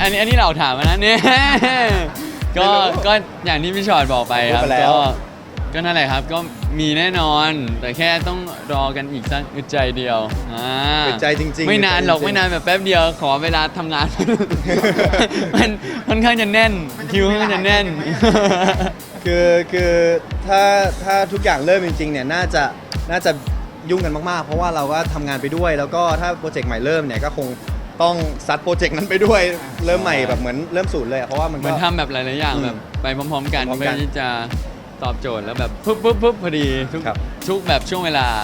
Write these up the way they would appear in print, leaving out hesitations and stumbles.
อันนี้เราถามมานะเนี่ยก็อย่างที่พี่ชอตบอกไปครับก็นั่นแหละครับก็มีแน่นอนแต่แค่ต้องรอกันอีกสักอึดใจเดียวอึดใจจริงๆไม่นานหรอกไม่นานแบบแป๊บเดียวขอเวลาทำงาน มันค่อนข้างจะแน่นคิวค่อนข้างจะแน่นคือถ้าทุกอย่างเริ่มจริงๆเนี่ยน่าจะยุ่งกันมากๆเพราะว่าเราก็ทำงานไปด้วยแล้วก็ถ้าโปรเจกต์ใหม่เริ่มเนี่ยก็คงต้องซัดโปรเจกต์นั้นไปด้วยเริ่มใหม่แบบเหมือนเริ่มศูนย์เลยเพราะว่ามันเหมือนทำแบบหลายๆอย่างแบบไปพร้อมๆกันเพื่อที่จะตอบโจทย์แล้วแบบปุ๊บพอดีทุกแบบช่วงเวลา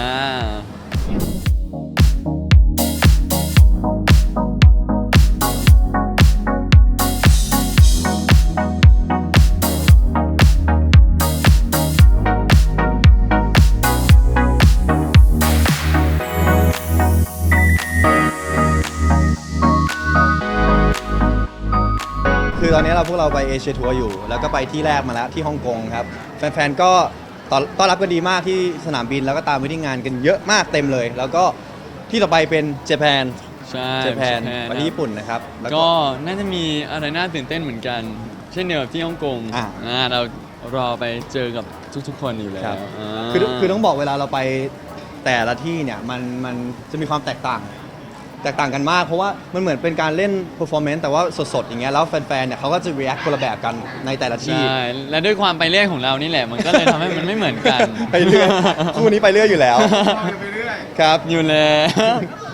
คือตอนนี้พวกเราไปเอเชียทัวร์อยู่แล้วก็ไปที่แรกมาแล้วที่ฮ่องกงครับแฟนๆก็ต้อนรับกันดีมากที่สนามบินแล้วก็ตามไปที่งานกันเยอะมากเต็มเลยแล้วก็ที่ต่อไปเป็นเจแปนไปที่ญี่ปุ่นนะครับก็น่าจะมีอะไรน่าตื่นเต้นเหมือนกันเช่นเดียวกับที่ฮ่องกงเรารอไปเจอกับทุกๆคนอยู่แล้วคือต้องบอกเวลาเราไปแต่ละที่เนี่ยมันจะมีความแตกต่างกันมากเพราะว่ามันเหมือนเป็นการเล่น performance แต่ว่าสดๆอย่างเงี้ยแล้วแฟนๆเนี่ยเขาก็จะ react คนละแบบกันในแต่ละที่ใช่และด้วยความไปเรื่อยของเรานี่แหละมันก็เลยทำให้มันไม่เหมือนกันไปเรื่อยคู่นี้ไปเรื่อยอยู่แล้วครับอยู่แล้ว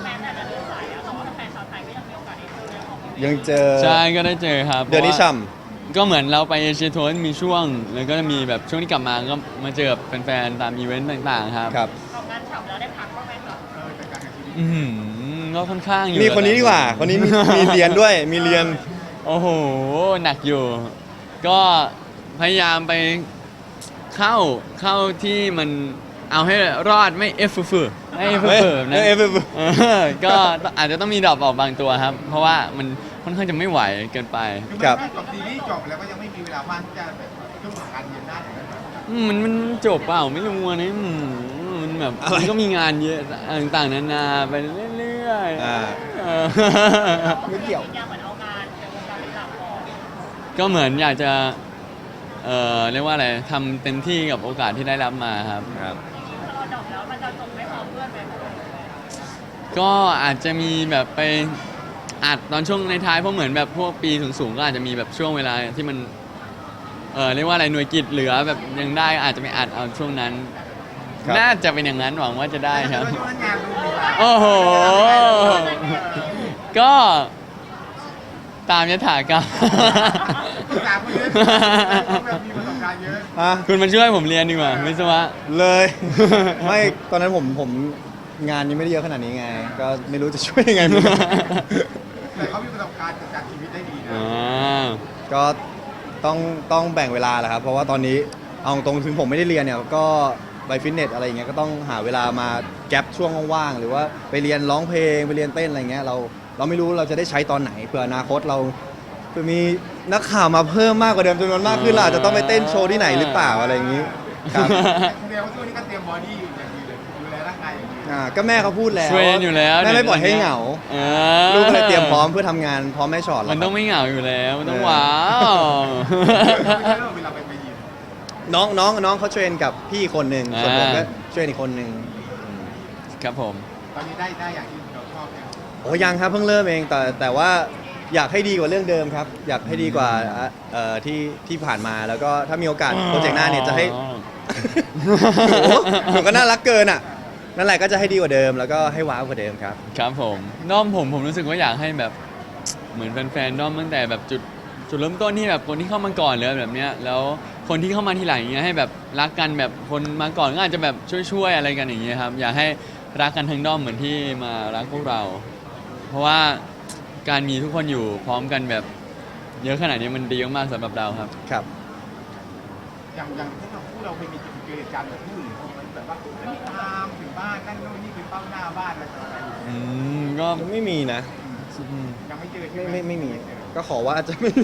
ยังเจอใช่ก็ได้เจอครับเดือนนี้ช่ำก็เหมือนเราไปเอเชียทัวร์มีช่วงแล้วก็จะมีแบบช่วงที่กลับมาก็มาเจอแฟนๆตามอีเวนต์ต่างๆครับของงานฉ่ำแล้วได้พักบ้างไหมคะก็ค่อนข้างอยู่มีคนนี้ดีกว่าคนนี้มีเรียนด้วยมีเรียนโอ้โหหนักอยู่ก็พยายามไปเข้าที่มันเอาให้รอดไม่เอฟฟือไม่เอฟฟือนะก็อาจจะต้องมีดรอปออกบางตัวครับเพราะว่ามันค่อนข้างจะไม่ไหวเกินไปครับจบซีรีส์จบแล้วก็ยังไม่มีเวลาว่างที่จะแบบช่วงการเรียนได้มันจบเปล่าไม่รู้นะมันแบบมันก็มีงานเยอะต่างๆนานาไปเรื่อยๆไม่เกี่ยวเหมือนเอางานแต่วงการเป็นหลักก่อนก็เหมือนอยากจะเรียกว่าอะไรทำเต็มที่กับโอกาสที่ได้รับมาครับพอจบแล้วมันจะจบไม่พร้อมเพื่อนไหมก็อาจจะมีแบบไปอัดตอนช่วงในท้ายเพราะเหมือนแบบพวกปีสูงๆก็อาจจะมีแบบช่วงเวลาที่มันเรียกว่าอะไรหน่วยกิจเหลือแบบยังได้อาจจะไปอัดเอาช่วงนั้นน่าจะเป็นอย่างนั้นหวังว่าจะได้ครับโอ้โหก็ตามยถากรรมคุณมาช่วยผมเรียนดีกว่าวิศวะเลยไม่ตอนนั้นผมงานยังไม่ได้เยอะขนาดนี้ไงก็ไม่รู้จะช่วยยังไงแต่เขามีประสบการณ์จากชีวิตได้ดีนะก็ต้องแบ่งเวลาแหละครับเพราะว่าตอนนี้เอาตรงถึงผมไม่ได้เรียนเนี่ยก็ไปฟิตเนสอะไรอย่างเงี้ยก็ต้องหาเวลามาแก็บช่วงว่างๆหรือว่าไปเรียนร้องเพลงไปเรียนเต้นอะไรเงี้ยเราไม่รู้เราจะได้ใช้ตอนไหนเผื่ออนาคตเราเผื่อมีนักข่าวมาเพิ่มมากกว่าเดิมจำนวนมากขึ้นเราอาจจะต้องไปเต้นโชว์ที่ไหนหรือเปล่าอะไรอย่างงี้ครับเรียกว่าช่วงนี้ก็เตรียมบอดี้อยู่อย่างดีเลยดูแลร่างกายอย่างดีก็แม่เขาพูดแล้วช่วยอยู่แล้วแม่ไม่ปล่อยให้เหงาลูกก็เลยเตรียมพร้อมเพื่อทำงานพร้อมแม่ชอตมันต้องไม่เหงาอยู่แล้วมันต้องว้าวน้องเขาเทรนกับพี่คนหนึ่งส่วนผมก็เทรนอีกคนหนึ่งครับผมตอนนี้ได้อย่างที่เราชอบแล้วโอ้ยังครับเพิ่งเริ่มเองแต่ว่าอยากให้ดีกว่าเรื่องเดิมครับอยากให้ดีกว่าที่ผ่านมาแล้วก็ถ้ามีโอกาสโปรเจกต์หน้าเนี่ยจะให้หนูก็น่ารักเกินอ่ะนั่นแหละก็จะให้ดีกว่าเดิมแล้วก็ให้ว้าวกว่าเดิมครับครับผมด้อมผมรู้สึกว่าอยากให้แบบเหมือนแฟนๆด้อมตั้งแต่แบบจุดเริ่มต้นที่แบบคนที่เข้ามาก่อนเลยแบบเนี้ยแล้วคนที่เข้ามาทีหลังอย่างเงี้ยให้แบบรักกันแบบคนมาก่อนก็อาจจะแบบช่วยอะไรกันอย่างเงี้ยครับอยากให้รักกันทั้งด้อมเหมือนที่มารักพวกเราเพราะว่าการมีทุกคนอยู่พร้อมกันแบบเยอะขนาดนี้มันดีมากๆสำหรับเราครับครับอย่างพวกเราเคยมีเหตุการณ์แบบที่อื่นแบบว่าไม่ตามถึงบ้านนั่นโน่นนี่คือเป้าหน้าบ้านอะไรต่ออะไรก็ไม่มีนะยังไม่เจอไม่มีก็ขอว่าจะไม่มี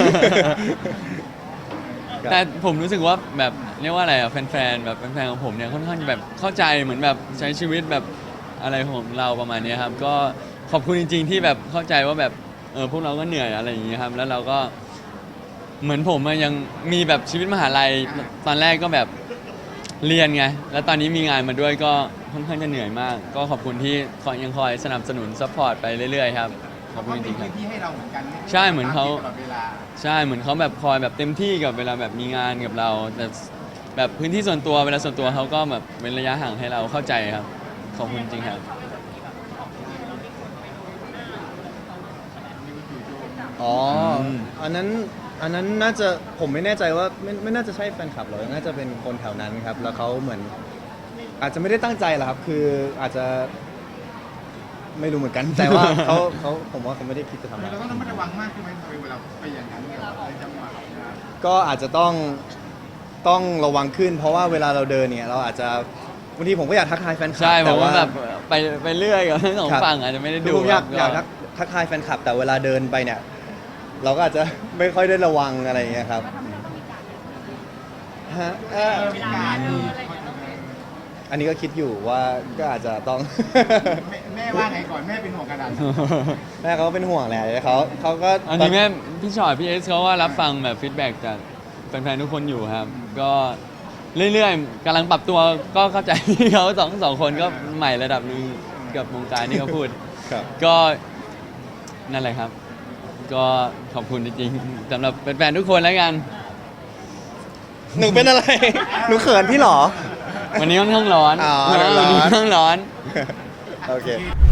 แต่ผมรู้สึกว่าแบบเรียกว่าอะไรแฟนๆแบบแฟนๆของผมเนี่ยค่อนข้างแบบเข้าใจเหมือนแบบใช้ชีวิตแบบอะไรของเราประมาณนี้ครับก็ขอบคุณจริงๆที่แบบเข้าใจว่าแบบพวกเราก็เหนื่อยอะไรอย่างเงี้ยครับแล้วเราก็เหมือนผมอะยังมีแบบชีวิตมหาลัยตอนแรกก็แบบเรียนไงแล้วตอนนี้มีงานมาด้วยก็ค่อนข้างจะเหนื่อยมาก ก็ขอบคุณที่ยังคอยสนับสนุนซัพพอร์ตไปเรื่อยๆครับขอบคุณจริงๆคพื้รับนที่ให้เราเหมือนกันใช่เหมือนเขาตลอดเวลาใช่เหมือนเขาแบบคอยแบบเต็มที่กับเวลาแบบมีงานกับเรา แต่แบบพื้นที่ส่วนตัวเวลาส่วนตัวเขาก็แบบเว้นระยะห่างให้เราเข้าใจครับขอบคุณจริงครับอ๋ออมอันนั้นน่าจะผมไม่แน่ใจว่าไม่น่าจะใช่แฟนคลับหรอกน่าจะเป็นคนแถวนั้นครับ แล้วเขาเหมือน อาจจะไม่ได้ตั้งใจหรอกครับ คืออาจจะไม่รู้เหมือนกัน แต่ว่าเขาผมว่าเขาไม่ได้คิดจะทำอะไรเราต้องระมัดระวังมากใช่ไหมเวลาไปอย่างนั้นเนี่ยในจังหวะนะก็อาจจะต้องระวังขึ้น เพราะว่าเวลาเราเดินเนี่ยเราอาจจะบางทีผมก็อยากทักทายแฟนคลัใช่ผแต่มว่าว่าแบบไปเรื่อยกับทั้งสองครับฝั่งอาจจะไม่ได้คือดูผมอยากครับทักทายแฟนคลับ แต่เวลาเดินไปเนี่ย เราก็อาจจะไม่ค่อยได้ระวังอะไรอย่างเงี้ยครับฮะมีการมีอันนี้ก็คิดอยู่ว่าก็อาจจะต้องแม่ว่าไงก่อนแม่เป็นห่วงกระดาษแม่เขาก็เป็นห่วงแหละเขาก็อันนี้แม่พี่ชอดพี่เอสเขาว่ารับฟังแบบฟีดแบ็กจากแฟนๆทุกคนอยู่ครับ ก็เรื่อยๆกำลังปรับตัวก็เข้าใจพี่เขาสองคนก็ใหม่ระดับหนึงกับวงการที่เขาพูดครับก็นั่นแหละครับ ก็ขอบคุณจริงๆสำหรับแฟนๆทุกคนแล้วกันหนูเป็นอะไร หนูเขินพี่เหรอวันนี้ค่อนข้างร้อนอ๋อวันนี้ร้อนค่อนข้างร้อนโอเคโอเค